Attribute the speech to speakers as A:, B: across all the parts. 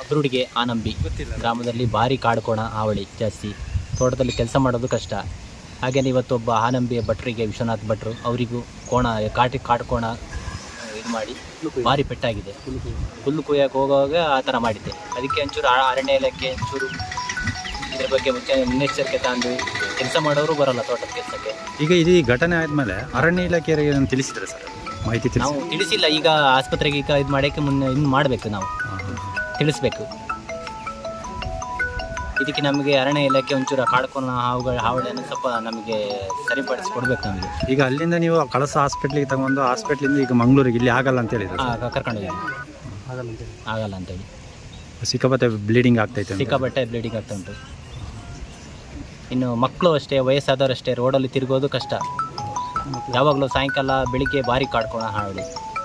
A: ಕುರುಡಿಗೆ ಆನಂಬಿ ಗ್ರಾಮದಲ್ಲಿ ಭಾರಿ ಕಾಡ್ಕೋಣ ಹಾವಳಿ ಜಾಸ್ತಿ. ತೋಟದಲ್ಲಿ ಕೆಲಸ ಮಾಡೋದು ಕಷ್ಟ. ಹಾಗೆಯೇ ಇವತ್ತೊಬ್ಬ ಆನಂಬಿ ಭಟ್ರಿಗೆ, ವಿಶ್ವನಾಥ್ ಭಟ್ರು, ಅವರಿಗೂ ಕಾಡ್ಕೋಣ ಇದು ಮಾಡಿ ಭಾರಿ ಪೆಟ್ಟಾಗಿದೆ. ಹುಲ್ಲು ಕುಯ್ಯಕ್ಕೆ ಹೋಗುವಾಗ ಆ ಥರ ಮಾಡಿದ್ದೆ. ಅದಕ್ಕೆ ಒಂಚೂರು ಅರಣ್ಯ ಇಲಾಖೆ ಒಂಚೂರು ಇದ್ರ ಬಗ್ಗೆ ಮುನ್ನೆಚ್ಚರಿಕೆ ತಂದು ಕೆಲಸ ಮಾಡೋರು ಬರಲ್ಲ ತೋಟದ ಕೆಲಸಕ್ಕೆ.
B: ಈಗ ಇದು ಘಟನೆ ಆದಮೇಲೆ ಅರಣ್ಯ ಇಲಾಖೆಯವರಿಗೆ ನಾನು ತಿಳಿಸಿದ್ರೆ ಸರ್ ಮಾಹಿತಿ
A: ನಾವು ತಿಳಿಸಿಲ್ಲ. ಈಗ ಆಸ್ಪತ್ರೆಗೆ ಈಗ ಇದು ಮಾಡೋಕ್ಕೆ ಮುನ್ನೆ ಇನ್ನು ಮಾಡಬೇಕು, ನಾವು ತಿಳಿಸ್ಬೇಕು. ಇದಕ್ಕೆ ನಮಗೆ ಅರಣ್ಯ ಇಲಾಖೆ ಒಂಚೂರು ಕಾಡ್ಕೋಣ ಹಾವಳಿಯನ್ನು ಸ್ವಲ್ಪ ನಮಗೆ ಸರಿಪಡಿಸ್ಕೊಡ್ಬೇಕು ನಮಗೆ.
B: ಈಗ ಅಲ್ಲಿಂದ ನೀವು ಕಳಸ ಹಾಸ್ಪಿಟ್ಲಿಗೆ ತಗೊಂಡು ಹಾಸ್ಪಿಟ್ಲಿಂದ ಈಗ ಮಂಗಳೂರಿಗೆ ಇಲ್ಲಿ ಆಗಲ್ಲ ಅಂತ ಹೇಳಿದ್ರು.
A: ಕರ್ಕೊಂಡೋಗಿ ಆಗಲ್ಲ ಅಂತೇಳಿ
B: ಸಿಕ್ಕಾಪಟ್ಟೆ ಬ್ಲೀಡಿಂಗ್ ಆಗ್ತೈತೆ.
A: ಸಿಕ್ಕಾಪಟ್ಟೆ ಬ್ಲೀಡಿಂಗ್ ಆಗ್ತಾ ಉಂಟು. ಇನ್ನು ಮಕ್ಕಳು ಅಷ್ಟೇ, ವಯಸ್ಸಾದವರು ಅಷ್ಟೇ, ರೋಡಲ್ಲಿ ತಿರುಗೋದು ಕಷ್ಟ. ಯಾವಾಗಲೂ ಸಾಯಂಕಾಲ ಬೆಳಿಗ್ಗೆ ಭಾರಿ ಕಾಡ್ಕೋಣ ಹಾವಳಿ.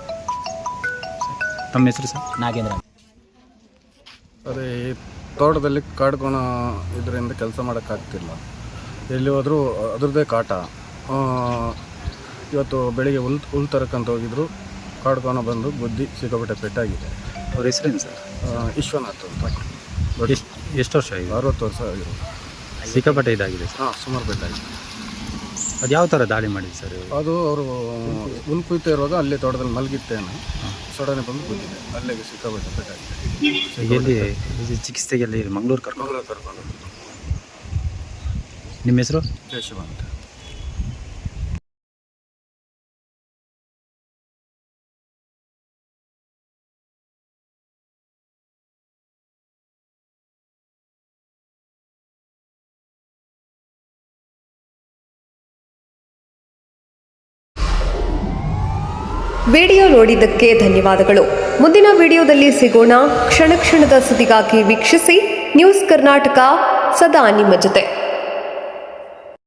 B: ತಮ್ಮ ಹೆಸರು ಸರ್?
A: ನಾಗೇಂದ್ರ.
C: ಅದೇ ತೋಟದಲ್ಲಿ ಕಾಡ್ಕೋಣ ಇದರಿಂದ ಕೆಲಸ ಮಾಡೋಕ್ಕಾಗ್ತಿಲ್ಲ. ಎಲ್ಲಿ ಹೋದರೂ ಅದ್ರದ್ದೇ ಕಾಟ. ಇವತ್ತು ಬೆಳಿಗ್ಗೆ ಹುಲ್ಲು ತರಕ್ಕಂತ ಹೋಗಿದ್ರು, ಕಾಡ್ಕೋಣ ಬಂದು ಬುದ್ಧಿ ಸಿಕ್ಕಾಪಟ್ಟೆ ಪೆಟ್ಟಾಗಿದೆ.
B: ಅವ್ರ ಹೆಸರೇನು ಸರ್?
C: ವಿಶ್ವನಾಥ್ ಅಂತ.
B: ಎಷ್ಟು ವರ್ಷ ಆಗಿದೆ?
C: 60 ವರ್ಷ ಆಗಿರೋ.
B: ಸಿಕ್ಕಾಪಟ್ಟೆ ಇದಾಗಿದೆ ಸರ್?
C: ಸುಮಾರು ಪೆಟ್ಟಾಗಿದೆ.
B: ಅದು ಯಾವ ಥರ ದಾಳಿ ಮಾಡಿದೆ ಸರ್?
C: ಅದು ಅವರು ಹುಲ್ಲು ಕುಯ್ತಾ ಇರುವಾಗ ಅಲ್ಲೇ ತೋಟದಲ್ಲಿ ಮಲಗಿತ್ತೇನೆ, ಸಡನೆ ಬಂದು ಬಿದ್ದಿದೆ. ಅಲ್ಲಿಗೆ ಸಿಕ್ಕಾಪಟ್ಟೆ ಪೆಟ್ಟಾಗಿದೆ.
B: ಎಲ್ಲಿ ಚಿಕಿತ್ಸೆಗೆಲ್ಲಿ ಮಂಗಳೂರು ಕರ್ಕೊಂಡು? ನಿಮ್ಮ ಹೆಸರು?
C: ಕೇಶವ ಅಂತ.
D: ವಿಡಿಯೋ ನೋಡಿದ್ದಕ್ಕೆ ಧನ್ಯವಾದಗಳು. ಮುಂದಿನ ವಿಡಿಯೋದಲ್ಲಿ ಸಿಗೋಣ. ಕ್ಷಣ ಕ್ಷಣದ ಸುದ್ದಿಗಾಗಿ ವೀಕ್ಷಿಸಿ ನ್ಯೂಸ್ ಕರ್ನಾಟಕ, ಸದಾ ನಿಮ್ಮ ಜೊತೆ.